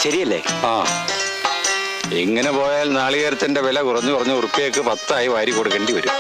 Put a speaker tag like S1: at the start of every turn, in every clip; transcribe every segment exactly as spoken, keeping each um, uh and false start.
S1: ശരിയല്ലേ?
S2: ആ, ഇങ്ങനെ പോയാൽ നാളികേരത്തിന്റെ വില കുറഞ്ഞു കുറഞ്ഞ് ഉറുപ്പിയക്ക് പത്തായി വാരി കൊടുക്കേണ്ടി വരും.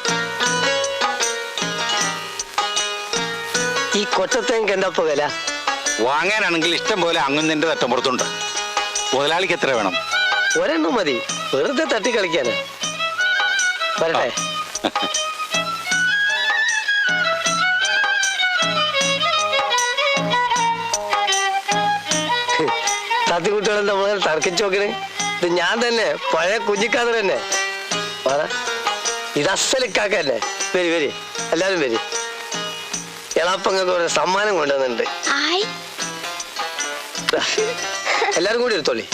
S3: ഈ കൊച്ചത്തേക്ക് എന്താ ഇപ്പൊ വില?
S2: വാങ്ങാനാണെങ്കിൽ ഇഷ്ടം പോലെ അങ്ങുന്നതിന്റെ തട്ടമ്പുറത്തുണ്ട്. മുതലാളിക്ക് എത്ര വേണം?
S3: ഒരെണ്ണം മതി, വെറുതെ തട്ടി കളിക്കാന്. വരട്ടെ. തത്തിക്കുട്ടികളെന്താ മുതൽ തർക്കിച്ചു നോക്കണേ? ഇത് ഞാൻ തന്നെ, പഴയ കുഞ്ഞിക്കാതർ തന്നെ. ഇത് അസലിക്കാക്കല്ലേ? വരി വരി, എല്ലാരും വരി. എളാപ്പങ്ങൾക്ക് ഒരു സമ്മാനം കൊണ്ടുവന്നിട്ടുണ്ട്. എല്ലാരും കൂടി എടുത്തോളി.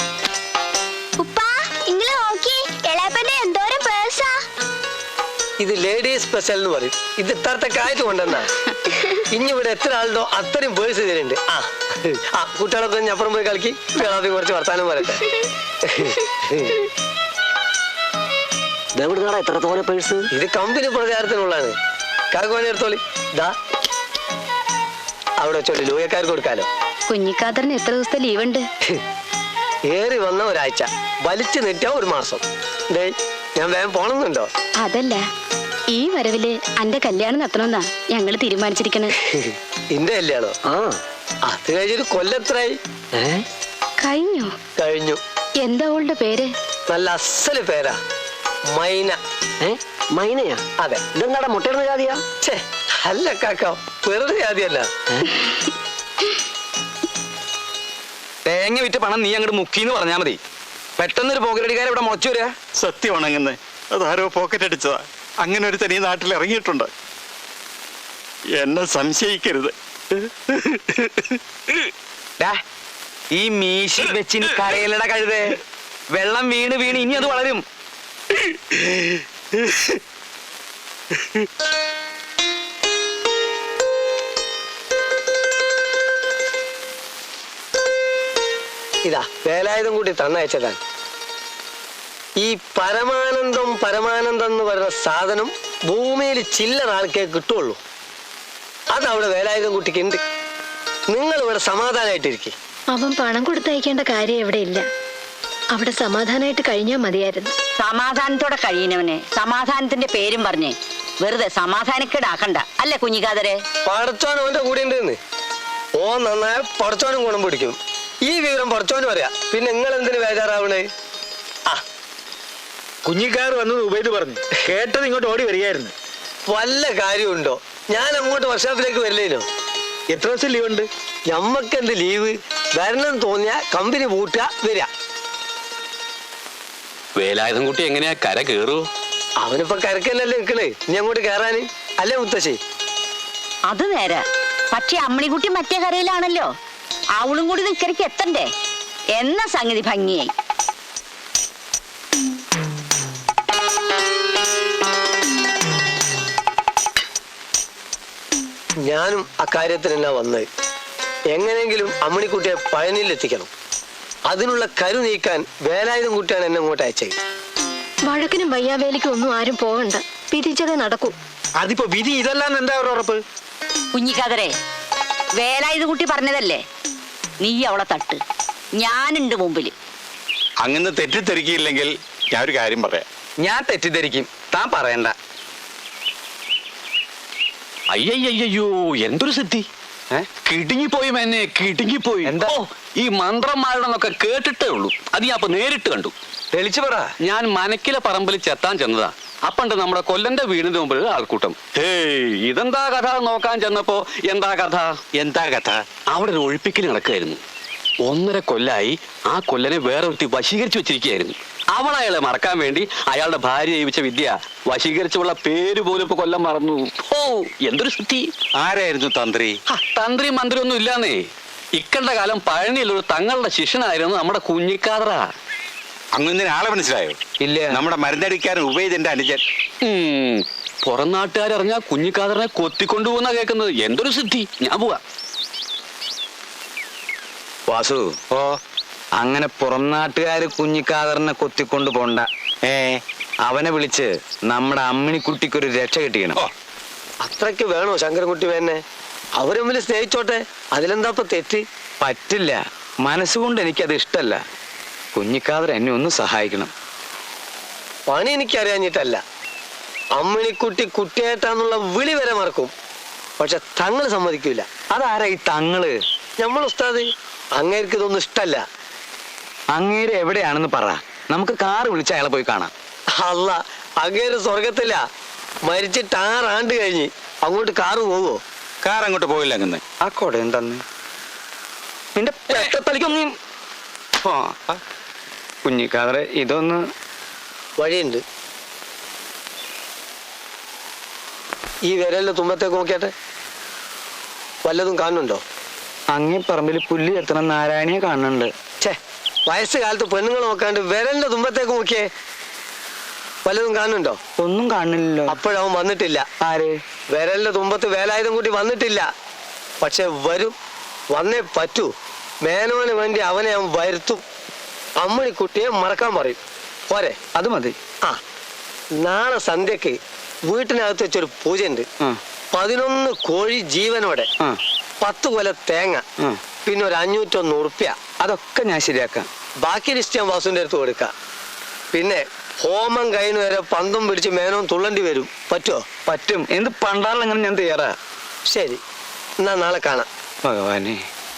S3: ഇത് ലേഡീസ് സ്പെഷ്യൽ എന്ന് പറയും. ഇത് ഇത്രത്തെ കാറ്റ് കൊണ്ടുവന്നാ. ഇനി ഇവിടെ എത്ര ആളുണ്ടോ അത്രയും പേഴ്സ് ഇതിലുണ്ട്. ആ ആ കുട്ടികളൊക്കെ അപ്പുറം പോയി കളിക്കി, വേളാപ്പി കുറച്ച് വർത്താനം പറയട്ടെ.
S1: എത്ര തോനെ പേഴ്സ്?
S3: ഇത് കമ്പനി പ്രചാരത്തിനുള്ളതാണ്. കാക്കുവാണി എടുത്തോളി. ഇതാ അവിടെ വെച്ചോളി, ലൂയക്കാർക്ക് കൊടുക്കാലോ.
S4: കുഞ്ഞിക്കാതറിന് എത്ര ദിവസത്തെ ലീവ് ഉണ്ട്?
S3: ഏറി വന്ന ഒരാഴ്ച, വലിച്ചു നീട്ടിയാ ഒരു മാസം. ഡേ ഞാൻ വേഗം പോണമെന്നുണ്ടോ?
S4: അതല്ല, ഈ വരവില് അന്റെ കല്യാണം നടത്തണമെന്നാ ഞങ്ങള് തീരുമാനിച്ചിരിക്കണേ.
S3: ഇന്റെ കല്യാണോ?
S1: ആ,
S3: അത് കഴിഞ്ഞൊരു കൊല്ലത്രായി.
S4: കഴിഞ്ഞു
S3: കഴിഞ്ഞു.
S4: എന്താ അവളുടെ പേര്?
S3: നല്ല അസല് പേരാ, മൈന.
S1: മൈനയാ?
S3: അതെ.
S1: ഇതെന്താടാ മുട്ടയിടുന്ന ജാതിയാ?
S3: ഛേ അല്ല കാക്ക, വെറുതെ ജാതിയല്ല.
S1: തേങ്ങ വിറ്റ് പണം നീ അങ്ങോട്ട് മുക്കിന്ന് പറഞ്ഞാ മതി. പെട്ടെന്നൊരു പോക്കറ്റടിക്കാരെ ഇവിടെ മുളച്ചു വരിക.
S2: സത്യമാണെങ്ങനെ അതാരോ പോക്കറ്റ് അടിച്ചതാ. അങ്ങനെ ഒരു തനി നാട്ടിൽ ഇറങ്ങിയിട്ടുണ്ട്. എന്നെ സംശയിക്കരുത്.
S1: ഈ മീശി വെച്ചിന് കരയിലട കഴുതേ. വെള്ളം വീണ് വീണ് ഇനി അത് വളരും.
S3: ഇതാ വേലായുധം കൂടി തന്നയച്ചതാണ്. ഈ പരമാനന്ദം പരമാനന്ദം എന്ന് പറയുന്ന സാധനം ഭൂമിയിൽ ചില്ലറ ആൾക്കേ കിട്ടുള്ളൂ. അതവിടെ വേലായുധം കുട്ടിക്ക് ഉണ്ട്. നിങ്ങൾ ഇവിടെ സമാധാനമായിട്ടിരിക്കും.
S4: അവൻ പണം കൊടുത്തയക്കേണ്ട കാര്യം എവിടെ ഇല്ല. അവിടെ സമാധാനമായിട്ട് കഴിഞ്ഞാൽ മതിയായിരുന്നു.
S5: സമാധാനത്തോടെ കഴിയുന്നവനെ സമാധാനത്തിന്റെ പേരും പറഞ്ഞേ വെറുതെ സമാധാനക്കേടാക്കണ്ട. അല്ലേ കുഞ്ഞിക്കാതരെ?
S3: പടച്ചോൻ അവന്റെ കൂടെ ഉണ്ടെന്ന്. ഓ നന്നായ പടച്ചോനും ഗുണം പിടിക്കും. ഈ വിവരം പടച്ചോനും അറിയാം. പിന്നെ നിങ്ങൾ എന്തിനു ബേജാറാവണേ? ആ
S6: കുഞ്ഞിക്കാർ വന്നു ഉപയോഗിച്ച് പറഞ്ഞു കേട്ടത് ഇങ്ങോട്ട് ഓടി വരികയായിരുന്നു.
S3: വല്ല കാര്യമുണ്ടോ? ഞാൻ അങ്ങോട്ട് വർക്ക്ഷോപ്പിലേക്ക് വരില്ലേനോ?
S6: എത്ര ദിവസം ലീവ് ഉണ്ട്?
S3: ഞമ്മക്ക് എന്ത് ലീവ്? വരണം തോന്നിയ കമ്പനി പൂട്ടുക, വരിക.
S7: വേലായുധം കുട്ടി എങ്ങനെയാ കര കേറൂ?
S3: അവനിപ്പോ കരക്കല്ലല്ലേ നിക്കണേ, ഇനി അങ്ങോട്ട് കേറാന്. അല്ലേ മുത്തശ്ശി?
S5: അത് നേരെ. പക്ഷെ അമ്മണിക്കുട്ടി മറ്റേ കരയിലാണല്ലോ. അവളും കൂടി നിക്കരയ്ക്ക് എത്തണ്ടേ? എന്ന സംഗതി ഭംഗിയായി.
S3: ഞാനും അക്കാര്യത്തിനെന്നാ വന്നത്. എങ്ങനെയെങ്കിലും അമ്മണിക്കുട്ടിയെ പഴനിയിൽ എത്തിക്കണം. അതിനുള്ള കരു നീക്കാൻ വേലായുധം കുട്ടിയാണ് എന്നെ ഇങ്ങോട്ട് അയച്ചത്.
S4: വഴക്കിനും വയ്യാവേലിക്കും ഒന്നും ആരും പോകണ്ട, പിരിച്ചതേ നടക്കൂ.
S6: അതിപ്പോ വിധി ഇതല്ലാന്ന് എന്താ ഒരു ഉറപ്പ്?
S5: കുഞ്ഞിക്കാതരെ, വേലായുധ കുട്ടി പറഞ്ഞതല്ലേ, നീ അവളെ തട്ട്, ഞാനുണ്ട് മുമ്പില്.
S2: അങ്ങനെ തെറ്റിദ്ധരിക്കില്ലെങ്കിൽ ഞാൻ ഒരു കാര്യം പറയാം.
S1: ഞാൻ തെറ്റിദ്ധരിക്കും, താൻ പറയണ്ട.
S7: അയ്യയ്യോ, എന്തൊരു സിദ്ധി! കിടുങ്ങിപ്പോയി എന്നെ, കിടുങ്ങിപ്പോയി.
S1: എന്താ?
S7: ഈ മന്ത്രന്മാരുടെന്നൊക്കെ കേട്ടിട്ടേ ഉള്ളൂ. അത് ഞാൻ അപ്പൊ നേരിട്ട് കണ്ടു.
S1: തെളിച്ചു പറ.
S7: ഞാൻ മനക്കിലെ പറമ്പിൽ ചെത്താൻ ചെന്നതാ. അപ്പണ്ട് നമ്മുടെ കൊല്ലന്റെ വീടിന്റെ മുമ്പിൽ ആൾക്കൂട്ടം. ഹേയ്, ഇതെന്താ കഥ നോക്കാൻ ചെന്നപ്പോ എന്താ കഥ
S2: എന്താ കഥ?
S7: അവിടെ ഒരു ഒഴിപ്പിക്കൽ നടക്കുകയായിരുന്നു. ഒന്നര കൊല്ലായി ആ കൊല്ലനെ വേറെ ഒരുത്തി വശീകരിച്ചു വെച്ചിരിക്കുകയായിരുന്നു. അവൾ അയാളെ മറക്കാൻ വേണ്ടി അയാളുടെ ഭാര്യ ജീവിച്ച വിദ്യ വശീകരിച്ചുള്ള പേര് പോലും ഇപ്പൊ കൊല്ലം മറന്നു. ഓ, എന്തൊരു സിദ്ധി!
S2: ആരായിരുന്നു തന്ത്രി?
S7: തന്ത്രി മന്ത്രി ഒന്നും ഇല്ലാന്നേ. ഇക്കണ്ട കാലം പഴനിയിലൊരു തങ്ങളുടെ ശിഷ്യനായിരുന്നു നമ്മുടെ കുഞ്ഞിക്കാതറ.
S2: അങ്ങനെ ആളെ മനസ്സിലായോ?
S1: ഇല്ല.
S2: നമ്മുടെ മരുന്നടിക്കാരൻ ഉപയോഗിച്ചെന്റെ അനുജൻ.
S7: പുറം നാട്ടുകാരറിഞ്ഞാ കുഞ്ഞിക്കാതറിനെ കൊത്തിക്കൊണ്ടുപോകുന്ന കേൾക്കുന്നത്. എന്തൊരു സിദ്ധി! ഞാൻ പോവാ.
S1: വാസു,
S2: ഓ,
S1: അങ്ങനെ പുറം നാട്ടുകാര് കുഞ്ഞിക്കാതറിനെ കൊത്തിക്കൊണ്ടു പോണ്ട.
S2: ഏ
S1: അവനെ വിളിച്ച് നമ്മുടെ അമ്മിണിക്കുട്ടിക്കൊരു രക്ഷ കിട്ടിക്കണം.
S2: ഓ,
S3: അത്രയ്ക്ക് വേണോ ശങ്കരൻകുട്ടി വേനെ? അവര് തമ്മിൽ സ്നേഹിച്ചോട്ടെ, അതിലെന്താ ഇപ്പൊ തെറ്റ്?
S1: പറ്റില്ല. മനസ്സുകൊണ്ട് എനിക്കത് ഇഷ്ടല്ല. കുഞ്ഞിക്കാതർ എന്നെ ഒന്ന് സഹായിക്കണം.
S3: പണി എനിക്കറിയാഞ്ഞിട്ടല്ല. അമ്മിണിക്കുട്ടി കുട്ടിയായിട്ടാന്നുള്ള വിളി വരെ മറക്കും. പക്ഷെ തങ്ങള് സമ്മതിക്കൂല.
S1: അതാരാ ഈ തങ്ങള്?
S3: നമ്മൾ ഉസ്താദ്. അങ്ങേർക്ക് ഇതൊന്നും ഇഷ്ടല്ല.
S1: അങ്ങേര് എവിടെയാണെന്ന് പറ, നമുക്ക് കാറ് വിളിച്ച് അയാളെ പോയി കാണാം.
S3: അല്ല, അങ്ങേര് സ്വർഗത്തില്ല. മരിച്ചിട്ട് ആറാണ്ട് കഴിഞ്ഞ്. അങ്ങോട്ട് കാറ് പോവോ?
S1: കാർ അങ്ങോട്ട് പോയില്ല. അങ്ങനെ ആ കൊട എന്താന്ന് നിന്റെ പെട്ടത്തലിക്കൊന്നും കുഞ്ഞിക്കാതറെ ഇതൊന്ന്
S3: വഴിയുണ്ട്. ഈ വിരലിന്റെ തുമ്പത്തേക്ക് നോക്കിയാട്ടെ, വല്ലതും കാണുന്നുണ്ടോ?
S1: അങ്ങേ പറമ്പിൽ പുല്ല് എത്തണം നാരായണിയെ കാണുന്നുണ്ട്.
S3: ഛേ, വയസ്സ് കാലത്ത് പെണ്ണുങ്ങൾ നോക്കാണ്ട് വിരലിന്റെ തുമ്പത്തേക്ക് നോക്കിയേ, വല്ലതും കാണുന്നുണ്ടോ?
S1: ഒന്നും കാണുന്നില്ലല്ലോ.
S3: അപ്പോഴവൻ വന്നിട്ടില്ല.
S1: ആര്?
S3: വിരലിന്റെ തുമ്പത്ത് വേലായുധം കൂട്ടി വന്നിട്ടില്ല. പക്ഷെ വരും, വന്നേ പറ്റൂ. മേനോന് വേണ്ടി അവനെ അവൻ വരുത്തും. അമ്മിണിക്കുട്ടിയെ മറക്കാൻ പറയും. പോരെ?
S1: അത് മതി.
S3: ആ, നാളെ സന്ധ്യക്ക് വീട്ടിനകത്ത് വെച്ചൊരു പൂജയുണ്ട്.
S1: ആ,
S3: പതിനൊന്ന് കോഴി ജീവനോടെ,
S1: ആ,
S3: പത്ത് കൊല തേങ്ങ,
S1: ആ.
S3: പിന്നെ ഒരു അഞ്ഞൂറ്റൊന്ന് ഉറുപ്പ്യ.
S1: അതൊക്കെ ഞാൻ ശരിയാക്കാം.
S3: ബാക്കി ലിസ്റ്റ് ഞാൻ വാസുവിന്റെ അടുത്ത് കൊടുക്കാം. പിന്നെ ഹോമം കഴിഞ്ഞ് വരെ പന്തും പിടിച്ച് മേനോൻ തുള്ളണ്ടി വരും. പറ്റുമോ?
S1: പറ്റും. എന്ത് പണ്ടാറിലെങ്ങനെ ഞാൻ തയ്യാറാ.
S3: ശരി, എന്നാ നാളെ കാണാം.
S1: ഭഗവാനെ,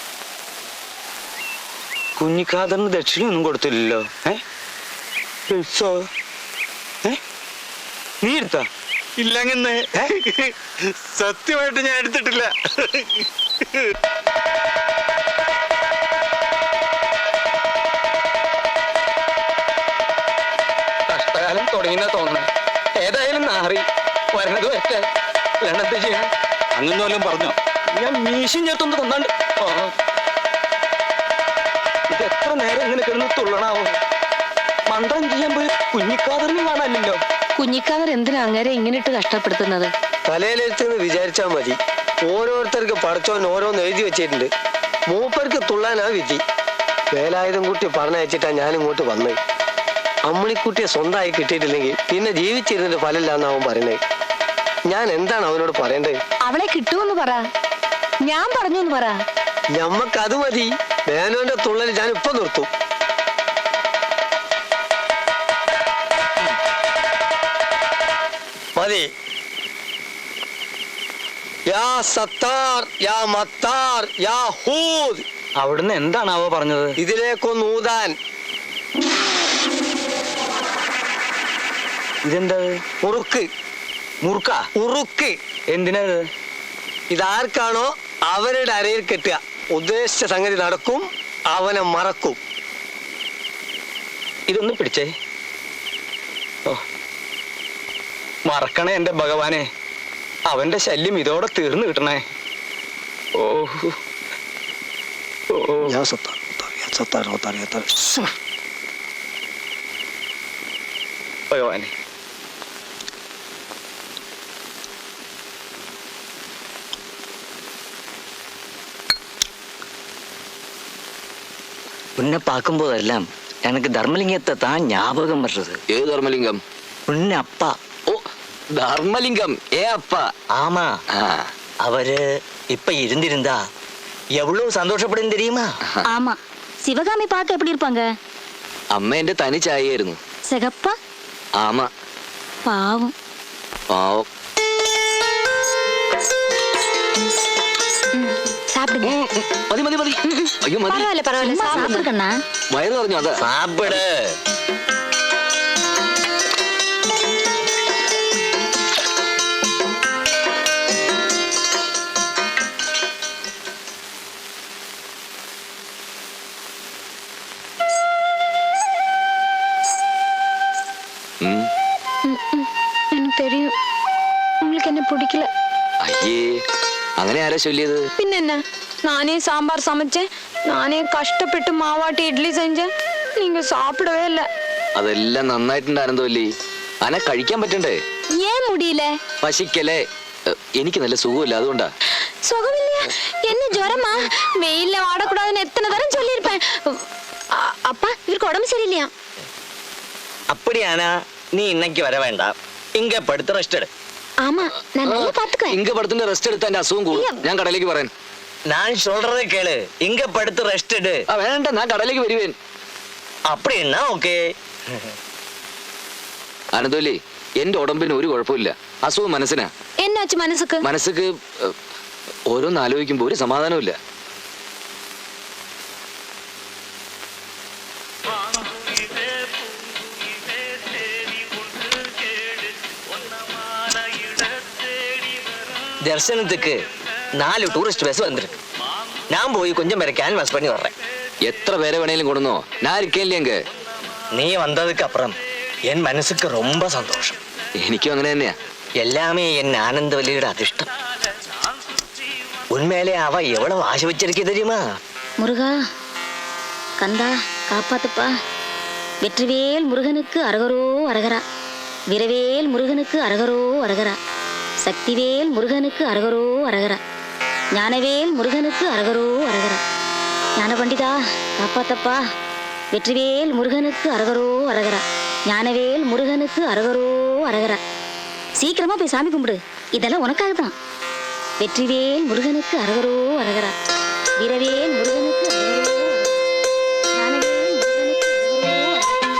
S1: കുഞ്ഞിക്കാതറിന് ദക്ഷിണയൊന്നും കൊടുത്തില്ലല്ലോ. ഏ ഉത്സവ ഏ നീ എടുത്താ?
S2: ഇല്ലങ്ങനെ സത്യമായിട്ട് ഞാൻ എടുത്തിട്ടില്ല.
S1: കഷ്ടകാലം തുടങ്ങിയെന്നാ തോന്നുന്നു. ഏതായാലും നാറി വരണത് വരട്ടെ. അല്ലാണ്ട് ചെയ്യാൻ
S7: അങ്ങനെ വല്ലതും പറഞ്ഞോ?
S1: ഞാൻ മീശം ചേർത്തൊന്ന് തന്നാണ്ട്. ആ, ഇത് എത്ര നേരം ഇങ്ങനെ കിടന്ന് തുള്ളണാവോ? മന്ത്രം ചെയ്യാൻ പോയി കുഞ്ഞിക്കാതറിന് കാണാനില്ലല്ലോ.
S4: കുഞ്ഞിക്കാതർ എന്തിനാ അങ്ങനെ ഇങ്ങനെ ഇട്ട് കഷ്ടപ്പെടുത്തുന്നത്?
S3: തലയിലെടുത്തെന്ന് വിചാരിച്ചാൽ മതി. ഓരോരുത്തർക്ക് പടച്ചോൻ ഓരോന്ന് എഴുതി വെച്ചിട്ടുണ്ട്. മൂപ്പർക്ക് തുള്ളാനാ വിധി. വേലായുധം കുട്ടി പറഞ്ഞയച്ചിട്ടാ ഞാൻ ഇങ്ങോട്ട് വന്നത്. അമ്മിണിക്കുട്ടിയെ സ്വന്തമായി കിട്ടിയിട്ടില്ലെങ്കിൽ പിന്നെ ജീവിച്ചിരുന്നിട്ട് ഫലമില്ലാന്ന് അവൻ പറയുന്നത്. ഞാൻ എന്താണ് അവനോട് പറയേണ്ടത്?
S4: അവളെ കിട്ടുമെന്ന് പറ, ഞാൻ പറഞ്ഞു എന്ന് പറ.
S3: ഞമ്മക്കത് മതി. മേനോന്റെ തുള്ളൽ ഞാൻ ഇപ്പൊ നിർത്തും. മതി. യാ സത്താർ, യാ മത്താർ, യാ ഹൂദ്.
S1: അവിടുന്ന് എന്താണാവോ പറഞ്ഞത്?
S3: ഇതിലേക്കൊന്ന് ഊതാൻ.
S1: ഇതെന്താ?
S3: ഉറുക്ക്.
S1: മുറുക്ക?
S3: ഉറുക്ക്.
S1: എന്തിനത്?
S3: ഇതാർക്കാണോ അവരുടെ അരയിൽ കെട്ടുക. ഉദ്ദേശിച്ച സംഗതി നടക്കും, അവനെ മറക്കും.
S1: ഇതൊന്ന് പിടിച്ചേ. ഓ, മറക്കണേ എന്റെ ഭഗവാനെ. അവന്റെ ശല്യം ഇതോടെ തീർന്നു കിട്ടണേ. ഓ ഓ,
S3: യാ സത്താർ, യാ സത്താർ, സത്താർ, യാ സത്താർ.
S1: ഭഗവാനെ.
S8: உன்னை பார்க்கும்போதெல்லாம் எனக்கு தர்மலிங்கத்தை தான் ஞாபகம் வர்றது.
S7: ഏത് ധർമ്മലിംഗം?
S8: உன்னை அப்பா.
S7: ഓ, ധർമ്മലിംഗം. ഏ അപ്പ?
S8: ஆமா,
S7: ആ,
S8: அவரு இப்ப இருந்திருந்தா எவ்வளவு சந்தோஷப்படும் தெரியுமா?
S5: ஆமா, சிவகாமி பார்க்க எப்படி இருப்பாங்க?
S7: അമ്മ എന്റെ തനി ചായയായിരുന്നു.
S5: சிகப்பா?
S7: ആമ.
S5: பாவம்.
S7: പാവം.
S4: சாப்பிடுங்க.
S7: മതി മതി മതി. അയ്യോ മതി.
S4: பரவாயில்ல பரவாயில்ல, சாப்பிடுங்க.
S5: சாப்பிடுக்கண்ணா.
S7: വയറ് പറഞ്ഞു. അതാ
S8: சாப்பிடு.
S7: ഉം.
S4: எனக்கு தெரியும் உங்களுக்கு என்ன பிடிக்கல.
S7: അയ്യേ, അങ്ങനെ ആരാ ചൊല്ലിയത്?
S9: பின்ன நானே சாம்பார் சமைச்சேன், நானே கஷ்டப்பட்டு மாவாட்டி இட்லி செஞ்சேன், நீங்க சாப்பிடவே இல்லை.
S7: അതെല്ലാം നന്നായിട്ടുണ്ടായിരുന്നു അല്ലേ? അനെ കഴിക്കാൻ പറ്റണ്ടേ?
S9: ஏன் முடியல?
S7: പശിക്കല്ലേ? എ, എനിക്ക് നല്ല സുഖമില്ല, അതുകൊണ്ടാ.
S9: சுகம் இல்லையா? என்ன ஜுரமா? வெயில்ல வாடக்கூடாதுன்னு எத்தனை தரம் சொல்லியிருப்பேன். அ- அப்பா, இவருக்கு உடம்பு சரியில்லையா?
S8: அப்படியானா நீ இன்னைக்கு வர வேண்டாம், இங்க படுத்து ரெஸ்ட் எடு.
S9: ஆமா, நான் நல்லா பாத்துக்குவேன்.
S7: ഇങ്ക പടത്തിന്റെ റെസ്റ്റ് എടുത്താൽ എന്റെ അസുഖം കൂടും. ഞാൻ കടയിലേക്ക് പറയാൻ.
S3: நான் சொல்றதை கேளு இங்க படுத்து ரெஸ்ட் எடு
S7: ആ വേണ്ട ഞാൻ കടയിലേക്ക് വരുവേൻ.
S3: அப்படின்னா ஓகே
S7: അനന്തോലി എന്റെ ഉടമ്പിന് ഒരു കുഴപ്പമില്ല. അസുഖം മനസ്സിനാ.
S9: എന്നാച്ചു മനസ്സുക്ക്
S7: മനസ്സക്ക് ഓരോന്ന് ആലോചിക്കുമ്പോ ഒരു സമാധാനമില്ല.
S3: தரிசனத்துக்கு நாலு டூரிஸ்ட் பஸ் வந்திருக்கு. நான் போய் கொஞ்சம் பேரை கேன்வாஸ் பண்ணி வர்றேன்.
S7: എത്ര പേരെ വേണേലും കൊടുന്നോ, ഞാൻ ഇരിക്കല്ലേ എങ്ക.
S3: நீ வந்ததுக்கு அப்புறம் என் மனசுக்கு ரொம்ப சந்தோஷம்.
S7: എനിക്കും അങ്ങനെ തന്നെയാ.
S3: எல்லாமே என் ஆனந்தவல்லியோட அதிர்ஷ்டம். உண்மையிலே அவ எவ்வளவு ஆசை வச்சிருக்கே தெரியுமா?
S9: முருகா கந்தா காப்பாத்துப்பா. வெற்றிவேல் முருகனுக்கு அரகரோ அரகரா. விரவேல் முருகனுக்கு அரகரோ அரகரா. சக்திவேல் முருகனுக்கு அரகரோ அரகரா. ஞானவேல் முருகனுக்கு அரகரோ அரகரா. ஞான பண்டிதா காப்பாத்தப்பா. வெற்றிவேல் முருகனுக்கு அரகரோ அரகரா. ஞானவேல் முருகனுக்கு அரகரோ அரகரா. சீக்கிரமா போய் சாமி கும்பிடு, இதெல்லாம் உனக்காக தான். வெற்றிவேல் முருகனுக்கு அரகரோ அரகரா. வீரவேல் முருகனுக்கு அரகரோ அரகரா. ஞானவேல் முருகனுக்கு அரகரோ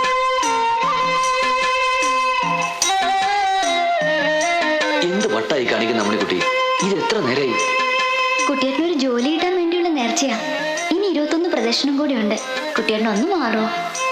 S9: அரகரா.
S7: എന്ത് വട്ടായി കാണിക്കുന്ന അമ്മണിക്കുട്ടി, ഇത് എത്ര നേരായി?
S4: കുട്ടിയേട്ടന് ഒരു ജോലി കിട്ടാൻ വേണ്ടിയുള്ള നേർച്ചയാ. ഇനി ഇരുപത്തൊന്ന് പ്രദർശനം കൂടി ഉണ്ട്. കുട്ടിയേട്ടൻ ഒന്ന് മാറോ?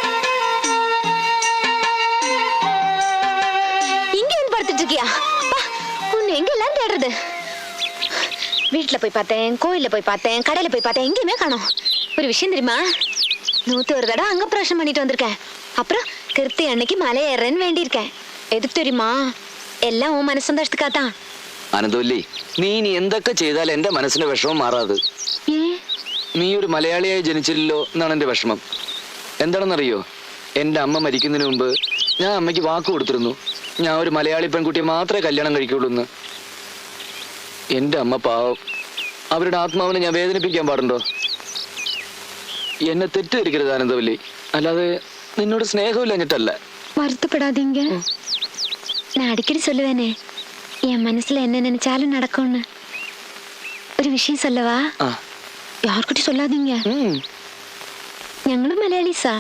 S9: இங்க வந்து படுத்துட்டு இருக்கியா? பா, உன்னை எங்க எல்லாம் தேடுறது? வீட்டுல போய் பார்த்தேன், கோயில்ல போய் பார்த்தேன், கடையில போய் பார்த்தேன், எங்கேயுமே காணோம். ஒரு விஷயம் தெரியுமா? நூத்தி ஒரு தடவை அங்க பிரவேசம் பண்ணிட்டு வந்திருக்கேன். அப்புறம் கிருத்தி அன்னைக்கு மலை ஏறேன்னு வேண்டியிருக்கேன். எதுக்கு தெரியுமா? എല്ലാം ഉൻ മനസ്സന്തോഷത്തിക്കാത്താ.
S7: അനന്തോല്ലി, നീ ഇനി എന്തൊക്കെ ചെയ്താൽ എന്റെ മനസ്സിന്റെ വിഷമം മാറാത്. നീ ഒരു മലയാളിയായി ജനിച്ചില്ലല്ലോ എന്നാണ് എന്റെ വിഷമം. എന്താണെന്നറിയോ, എന്റെ അമ്മ മരിക്കുന്നതിന് മുമ്പ് ഞാൻ അമ്മയ്ക്ക് വാക്ക് കൊടുത്തിരുന്നു, ഞാൻ ഒരു മലയാളി പെൺകുട്ടിയെ മാത്രമേ കല്യാണം കഴിക്കുള്ളൂ എന്ന്. എന്റെ അമ്മ പാവം, അവരുടെ ആത്മാവിനെ ഞാൻ വേദനിപ്പിക്കാൻ പാടുണ്ടോ? എന്നെ തെറ്റിദ്ധരിക്കരുത് ആനന്ദവല്ലി, അല്ലാതെ നിന്നോട് സ്നേഹമില്ലഞ്ഞിട്ടല്ല.
S9: வருத்தப்படாதீங்க. நான் அடிக்கடி சொல்லுவேனே, என் மனசுல என்ன நினைச்சாலும் நடக்கும்னு. ஒரு விஷயம் சொல்லவா?
S7: ആ,
S9: யார்கிட்ட சொல்லாதீங்க.
S7: ഉം.
S9: ഞങ്ങളും മലയാളീസാ.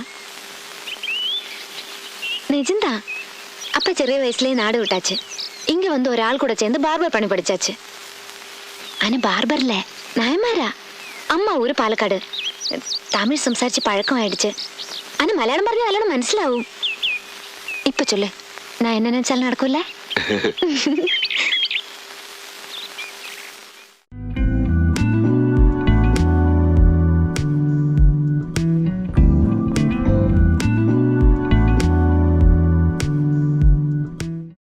S9: நிஜம்தான். அப்பா ചെറിയ வயசுலயே நாடு விட்டாச்சு. இங்க வந்து ஒரு ஆள் கூட சேர்ந்து பார்பர் பணி படிச்சாச்சு. ஆனா பார்பர்ல நாயமாரா. அம்மா ஊரு പാലക്കാട്. തമിഴ് സംസാരിച്ച് പഴക്കമായിடுச்சு. ஆனா മലയാളം പറഞ്ഞാൽ നല്ലോണം മനസ്സിലാവും. ഇപ്പൊ ചൊല്ല്, நான் என்ன நினைச்சாலும் நடக்கும்ல?